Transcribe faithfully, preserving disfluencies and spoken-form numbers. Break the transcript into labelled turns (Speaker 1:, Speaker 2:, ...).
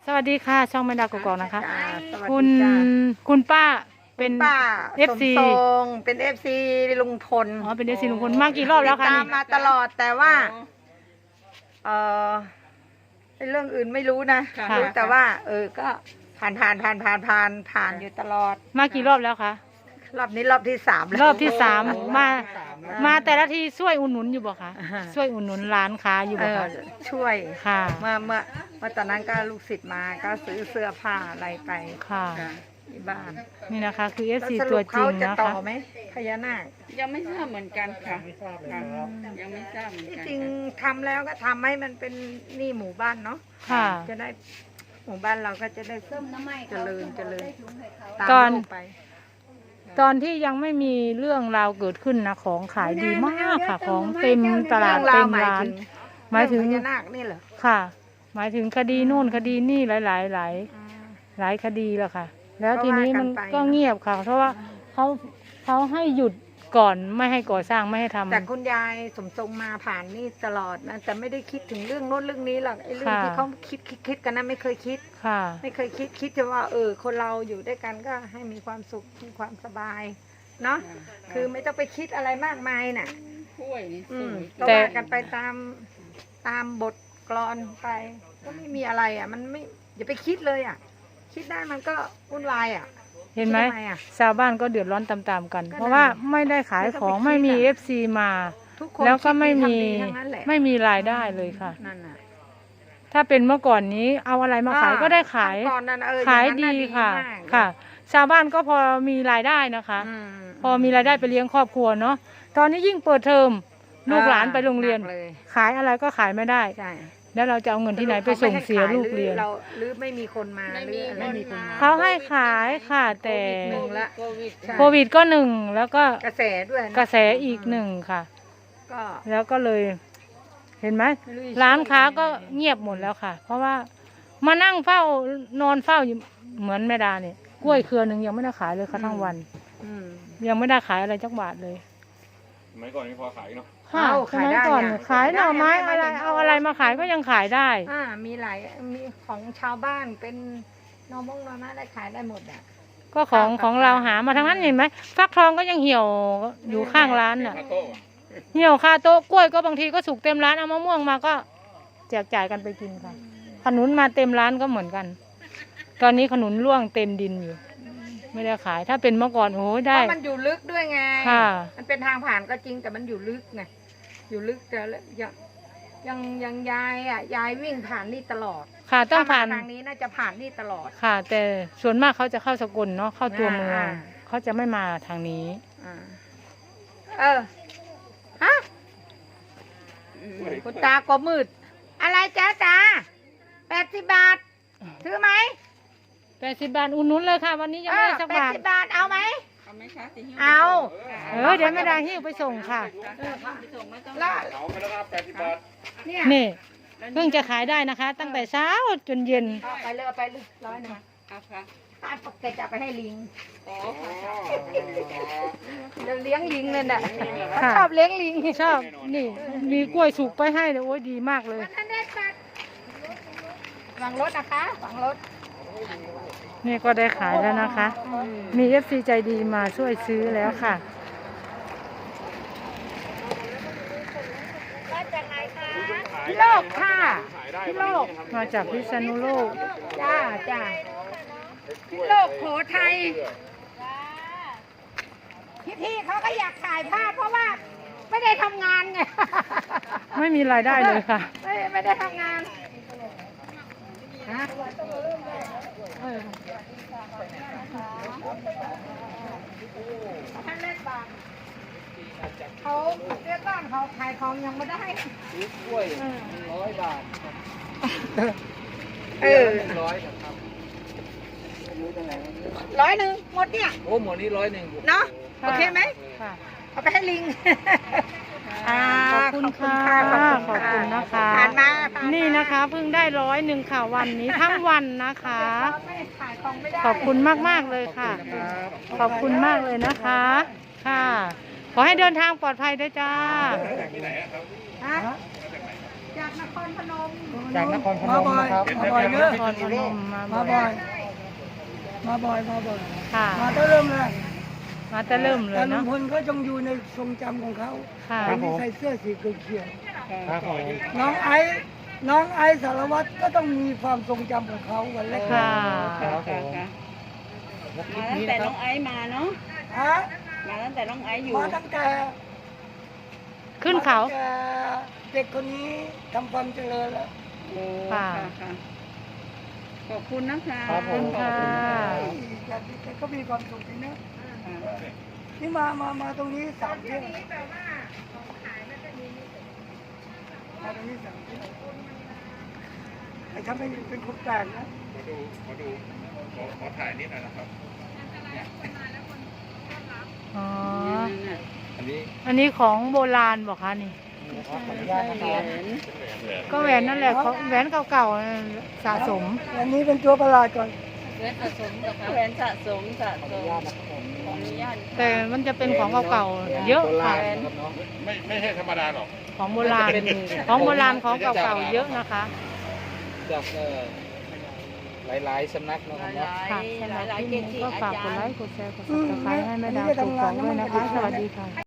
Speaker 1: สวัสดีค่ะช่องแม่ดาวกกอกนะคะ
Speaker 2: จ้าสวัส
Speaker 1: คุ
Speaker 2: ดี
Speaker 1: ณ
Speaker 2: จ้า
Speaker 1: คุณป้าเป็น
Speaker 2: ป้า
Speaker 1: เอฟ ซี
Speaker 2: สมทรงเป็นเอฟซีลุงพล
Speaker 1: อ๋อเป็นเอฟซีลุงพลมากี่รอบแล้วคะ
Speaker 2: ตา
Speaker 1: นี่
Speaker 2: มมาตลอดแต่ว่า เออไอ้เรื่องอื่นไม่รู้นะ
Speaker 1: ค่ะ
Speaker 2: รู้แต่ว่า เออก็ผ่านผ่านผ่านผ่านผ่านผ่านอยู่ตลอด
Speaker 1: มากี่รอบแล้วคะ
Speaker 2: รอบนี้รอบที่สามแล้ว
Speaker 1: รอบที่สามมา
Speaker 2: อ่
Speaker 1: มาแต่ละทีช่วยอุดหนุนอยู่บ่คะ
Speaker 2: อ่าฮะ
Speaker 1: ช่วยอุดหนุนร้านค้าอยู่
Speaker 2: เอ
Speaker 1: บ่
Speaker 2: อ
Speaker 1: คะ
Speaker 2: ช่วย
Speaker 1: ค่ะ
Speaker 2: เมื่อเมื่อเมื่อตอนนั้นก็ลูกศิษย์มาก็ซื้อเสื้อผ้าอะไรไป
Speaker 1: ค่ะ
Speaker 2: ที่บ้าน
Speaker 1: นี่นะคะคือเอฟ
Speaker 2: แล้ว
Speaker 1: ซี
Speaker 2: ส
Speaker 1: ตั
Speaker 2: รุ
Speaker 1: ว
Speaker 2: ป
Speaker 1: จริ
Speaker 2: เขา
Speaker 1: ง
Speaker 2: จะ
Speaker 1: นะ
Speaker 2: ต่อ
Speaker 1: คะ
Speaker 2: ไหมพญานาค
Speaker 3: ยังไม่ทราบเหมือนกันค่ะค่ะยังไม่ทราบเหมือน
Speaker 2: ที่
Speaker 3: กัน
Speaker 2: จริง
Speaker 3: ค่ะ
Speaker 2: ทำแล้วก็ทำให้มันเป็นนี่หมู่บ้านเนาะ
Speaker 1: ค่ะ
Speaker 2: จะได้หมู่บ้านเราก็จะได้เจริญเจริญตาม
Speaker 1: ตอน
Speaker 2: โลกไป
Speaker 1: ตอนที่ยังไม่มีเรื่องราวเกิดขึ้นนะของขายดีมากค่ะ ของเต็มตลาด
Speaker 2: เรื่อง
Speaker 1: เต็
Speaker 2: ราว
Speaker 1: ม
Speaker 2: หมาย
Speaker 1: ร้าน
Speaker 2: ถึง
Speaker 1: หมายถึง
Speaker 2: เรื่องพญานาคนี่เหรอ
Speaker 1: ค่ะ หมายถึงคดีนู่นคดีนี่หลายหลายหลาย
Speaker 2: อ่า
Speaker 1: หลายคดีแล้วค่ะ แล้ว
Speaker 2: ก็
Speaker 1: ทีนี้มัน
Speaker 2: ว่ากันไป
Speaker 1: ก็เงียบค่ะ เพราะว่าเขาเขาให้หยุดก่อนไม่ให้ก่อสร้างไม่ให้ทำ
Speaker 2: แต่คุณยายสมทรงมาผ่านนี่ตลอดนะแต่ไม่ได้คิดถึงเรื่องโน้นเรื่องนี้หรอกไอ้เรื่อง
Speaker 1: ค่ะ
Speaker 2: ที่เขาคิดคิดคิดกันนะไม่เคยคิด
Speaker 1: ค่ะ
Speaker 2: ไม่เคยคิดคิดจะว่า เออ คนเราอยู่ด้วยกันก็ให้มีความสุขมีความสบายเนาะคือไม่ต้องไปคิดอะไรมากมายน่ะ
Speaker 3: ช่วยนี่
Speaker 2: อื
Speaker 3: ส
Speaker 2: ม
Speaker 3: วย
Speaker 2: ก็
Speaker 1: แต่
Speaker 2: ว่ากันไปตามตามบทกลอนไป ก็ไม่มีอะไรอ่ะ มันไม่อย่าไปคิดเลยอ่ะ คิดได้มันก็วุ่นวายอ่ะ
Speaker 1: เห็นไหม
Speaker 2: คิดทำไมอ่ะ
Speaker 1: ชาวบ้านก็เดือดร้อนตามๆกัน
Speaker 2: ก็นั่น
Speaker 1: เพราะว่าไม่ได้ขาย
Speaker 2: ไม่ต้อง
Speaker 1: ของ
Speaker 2: ไปคิด
Speaker 1: ไม่มี
Speaker 2: อะ
Speaker 1: เอฟซีมา
Speaker 2: ทุกคน
Speaker 1: แล้วก็
Speaker 2: คิด
Speaker 1: ไม่
Speaker 2: ดี
Speaker 1: มี
Speaker 2: ทำดีทั้งนั้นแหละ
Speaker 1: ไม่มีรายได้เลยค่ะ
Speaker 2: นั่นน่ะ
Speaker 1: ถ้าเป็นเมื่อก่อนนี้เอาอะไรมาขาย
Speaker 2: อ่
Speaker 1: ก็ได้ขาย
Speaker 2: ขั้นตอนนั้นเออ
Speaker 1: ขาย
Speaker 2: อง
Speaker 1: ดี
Speaker 2: นั้นน่
Speaker 1: ค่ะ
Speaker 2: มาก
Speaker 1: ค่ะ ชาวบ้านก็พอมีรายได้นะคะ
Speaker 2: อืม
Speaker 1: พอมีรายได้ไปเลี้ยงครอบครัวเนาะตอนนี้ยิ่งเปิดเทอมลูกหลานไปโรงเรียน
Speaker 2: หกเลย
Speaker 1: ขายอะไรก็ขายไม่ได้
Speaker 2: ใช่
Speaker 1: แล้วเราจะเอาเงินที่ไหนไปส่งเสียลูกเรียน
Speaker 2: หอเราหรือไม่มีคนมาหรืออะไร
Speaker 3: ไม่
Speaker 2: ไม่
Speaker 3: มี
Speaker 2: มีคนมา
Speaker 1: เขาให้ขายค่ะแต่
Speaker 2: หนึ่งละ
Speaker 3: โควิด
Speaker 2: ใช่
Speaker 1: โควิดก็หนึ่งแล้วก็
Speaker 2: กระแสด้วยน
Speaker 1: กระแสอีกหนึ่งค่ะ
Speaker 2: ก็
Speaker 1: แล้วก็เลย เห็นไหม
Speaker 2: ไม่รู้จะ
Speaker 1: ร้านค้าก็
Speaker 2: ช่วยยังไง
Speaker 1: เงียบหมดแล้วค่ะ เพราะว่ามานั่งเฝ้านอนเฝ้าอยู่เหมือนแม่ดาเนี่ยกล้วยเครือหนึ่งยังไม่ได้ขายเลยค่ะทั้งวัน
Speaker 2: อืม
Speaker 1: ยังไม่ได้ขายอะไรจักบาทเลย
Speaker 4: สมัยก่อนนี่พอขายเนาะ
Speaker 1: ค่ะ
Speaker 2: เอา
Speaker 1: สมัย
Speaker 2: ขายได้
Speaker 1: ก่อน
Speaker 2: อะ
Speaker 1: ขายหน่อไม้
Speaker 2: ขายได้
Speaker 1: อะไร
Speaker 2: ไม่
Speaker 1: เอาอะไรมาขายก็ยังขายได้
Speaker 2: อ่ามีหลายมีของชาวบ้านเป็นหนอมงหนอไม้ได้ขายได้หมดอ่ะ
Speaker 1: ก็ของ
Speaker 2: ค่ะ
Speaker 1: ของเราหามาทั้งนั้นเห็นไหมฟักทองก็ยังเหี่ยวอยู่ข้างร้านน่ะ
Speaker 4: คาโต้อะ
Speaker 1: เหี่ยวคาโต๊ะกล้วยก็บางทีก็สุกเต็มร้านเอามะม่วงมาก็แจกจ่ายกันไปกินค่ะ ขนุนมาเต็มร้านก็เหมือนกัน ตอนนี้ขนุนร่วงเต็มดินอยู่ ไม่ได้ขาย ถ้าเป็นเมื่อก่อนโอ้ย
Speaker 2: เพ
Speaker 1: ได้
Speaker 2: ราะมันอยู่ลึกด้วยไง
Speaker 1: ค่ะ
Speaker 2: มันเป็นทางผ่านก็จริงแต่มันอยู่ลึกไงอยู่ลึกแต่ยังยังยังยายอ่ะยายวิ่งผ่านนี่ตลอด
Speaker 1: ค่ะต้องผ่าน
Speaker 2: ถ้มทางนี้น่าจะผ่านนี่ตลอด
Speaker 1: ค่ะ แต่ส่วนมากเขาจะเข้าสกลเนาะเข้าตัวเมือง
Speaker 2: อ่า
Speaker 1: เขาจะไม่มาทางนี้
Speaker 2: อ่าเออฮะคุณตาก็มืด อะไรจ้าตาแปดสิบบาทซื้อไหม
Speaker 1: แปดสิบบาทอุ่นนุนเลยค่ะ วันนี้ยังไม่ได้สัก
Speaker 2: แปด
Speaker 1: บาท
Speaker 2: สิบบาทเอาไหม
Speaker 3: เอาไหมคะจะหิ้ว
Speaker 2: เอา
Speaker 1: เออเดี๋ยวไม่ได้หิ้วไปส่งค่ะ
Speaker 3: ไปส่งไม่ต้อง
Speaker 2: แล้ว
Speaker 4: เอาไปแล้วครับแปดสิบบาท
Speaker 2: เนี่ย
Speaker 1: นี่เพิ่งจะขายได้นะคะ ตั้งแต่เช้าจนเย็น
Speaker 2: เอาไปเลยเอาไปเลยร้อยหนึ่ง
Speaker 3: เอาค่ะ
Speaker 2: ถ้าปกติจะเอาไปให้ลิง
Speaker 3: อ๋อค่ะ
Speaker 2: เดี๋ยวเลี้ยงลิงเลยน่ะ
Speaker 1: ค่ะ
Speaker 2: ชอบเลี้ยงลิง
Speaker 1: ชอบนี่มีกล้วยสุกไปให้เลยโอ้ยดีมากเลย
Speaker 2: วันนั้นได้ปัดวางรถนะคะวางรถ
Speaker 1: นี่ก็ได้ขายแล้วนะคะ มีเอฟซีใจดีมาช่วยซื้อแล้วค่ะ
Speaker 2: มาจากไหนคะพี่โลกค่ะพี่โลก
Speaker 1: มาจากพิษณุโลก
Speaker 2: จ้าจ้าพี่โลกโขทัยพี่พี่ๆเขาก็อยากถ่ายภาพเพราะว่าไม่ได้ทำงานไง
Speaker 1: ไม่มีรายได้เลยค่ะ
Speaker 2: ไม่ไม่ได้ทำงานฮะเออท่านเล็กบางเขาเรียกบ้านเขาขายของยังไม่ได้
Speaker 5: กล้วยร้อยบาท
Speaker 2: เออ
Speaker 5: ร้อยครับ
Speaker 2: ร้อยหนึ่งหมดเนี่ย
Speaker 5: โอ้หมดนี้ร้อยหนึ่ง
Speaker 2: เนาะโอเคไหม
Speaker 1: ค่ะ
Speaker 2: เอาไปให้ลิง อ่า
Speaker 1: ขอบคุณค่ะ
Speaker 2: ขอบ
Speaker 1: ขอบคุณนะคะ
Speaker 2: ผ่านมาผ่ามา
Speaker 1: นี่นะคะเพิ่งได้ร้อยหนึ่งค่ะวันนี้ทั้งวันนะคะ
Speaker 2: ไม่ขายของไม่ได้
Speaker 1: ขอบคุณมากๆเลยค่ะ ขอบคุณมากเลยนะคะ ค่ะ ขอให้เดินทางปลอดภัยด้วยจ้า
Speaker 2: ฮะจากนครพนม
Speaker 5: จากนครพนมนะครับ
Speaker 6: มาบ่อยเนอะ
Speaker 1: นครพนมมา
Speaker 6: มา
Speaker 1: บ่
Speaker 6: บ่
Speaker 1: อ
Speaker 6: อย ย มาบ่อย มาบ่อย
Speaker 1: ค่ะ
Speaker 6: มาตั้งเริ่มเลย
Speaker 1: มาแต่เริ่มเล
Speaker 6: แต่
Speaker 1: ย
Speaker 6: ลุ
Speaker 1: เนาะ
Speaker 6: งพลก็จงอยู่ในทรงจำของเขา
Speaker 1: ค่ะ
Speaker 6: คนที่ใส่เสื้อสีเขียว
Speaker 5: ครับผม
Speaker 6: ๆน้องไอซ์น้องไอซ์สารวัตรก็ต้องมีความทรงจำของเขาวันแรก
Speaker 1: ค่ะ
Speaker 5: ครับผม
Speaker 3: ค่ะ
Speaker 5: แล้วคลิ
Speaker 3: มา
Speaker 5: ป
Speaker 3: ตั้ง
Speaker 5: นี้
Speaker 3: แต่
Speaker 5: นะค
Speaker 3: น้
Speaker 5: รั
Speaker 3: อบ งไอซ์มาเนาะ
Speaker 6: ฮะ
Speaker 3: มาตั้งแต่น้องไอซ์อยู่
Speaker 6: มาตั้งแต่
Speaker 1: ขึ้นเขา
Speaker 6: มาตั้งแต่เด็กคนนี้ทำความเจริญแล้ว
Speaker 3: โอ้
Speaker 1: ค่ะ
Speaker 3: ค่ะค่ะขอบคุณนะคะ
Speaker 5: ครับผม
Speaker 1: ค่ะ
Speaker 6: แต่แต่ก็มีความสุขดีนะ
Speaker 3: ค่ะ
Speaker 6: นี่มามามาตรงนี้สามเที่ยวมาตรงนี้สามเที่ยวไอ้ทำเป็นเป็นคนแปลกนะ
Speaker 4: มาดูมาดูขอขอถ่ายนิดหน่อยนะครับ
Speaker 1: อ๋อ
Speaker 3: เนี่ย
Speaker 4: อันนี้
Speaker 1: อันนี้ของโบราณบอกคะนี่
Speaker 5: ขออนุญาตนะค
Speaker 3: เหรี
Speaker 5: รั
Speaker 3: ย
Speaker 5: บ
Speaker 3: ญ
Speaker 1: ก็แหวนนั่นแหละของแหวนเก่าๆสะสม
Speaker 6: อันนี้เป็นตัวประหลาดก่อน
Speaker 3: แหวนสะสมแหวนสะสมสะ
Speaker 5: ขอ
Speaker 3: ส
Speaker 5: อนุ
Speaker 3: ม
Speaker 5: ญาตนะครับผม
Speaker 3: ขออนุญาต
Speaker 1: แต่มันจะเป็นของเก่าๆเยอะ
Speaker 5: โบรา
Speaker 1: ค่ะ
Speaker 5: ณนะครับเนาะ
Speaker 4: ไม่ไม่ใช่ธรรมดาหรอก
Speaker 1: ของโบราณ
Speaker 5: เป็น
Speaker 1: ของโบราณของเก่าๆเยอะนะคะ
Speaker 5: จากเอ่อหลายๆสำนักนะ
Speaker 3: ห
Speaker 5: ค
Speaker 3: ลา
Speaker 5: รับ
Speaker 3: ย
Speaker 5: เนาะ
Speaker 3: หลาย
Speaker 1: ค่ะสำหรับ
Speaker 3: หลาย
Speaker 1: คลิป
Speaker 3: เก
Speaker 1: นี้
Speaker 3: จิ
Speaker 1: ก็
Speaker 3: อา
Speaker 1: ฝาก
Speaker 3: จาก
Speaker 1: ด
Speaker 3: ร
Speaker 1: ไล
Speaker 3: ย์
Speaker 1: ค์กดแชร์กดซับสไครต์ให้แม่ดาวกดกล่องด้วยนะคะ สวัสดีค่ะ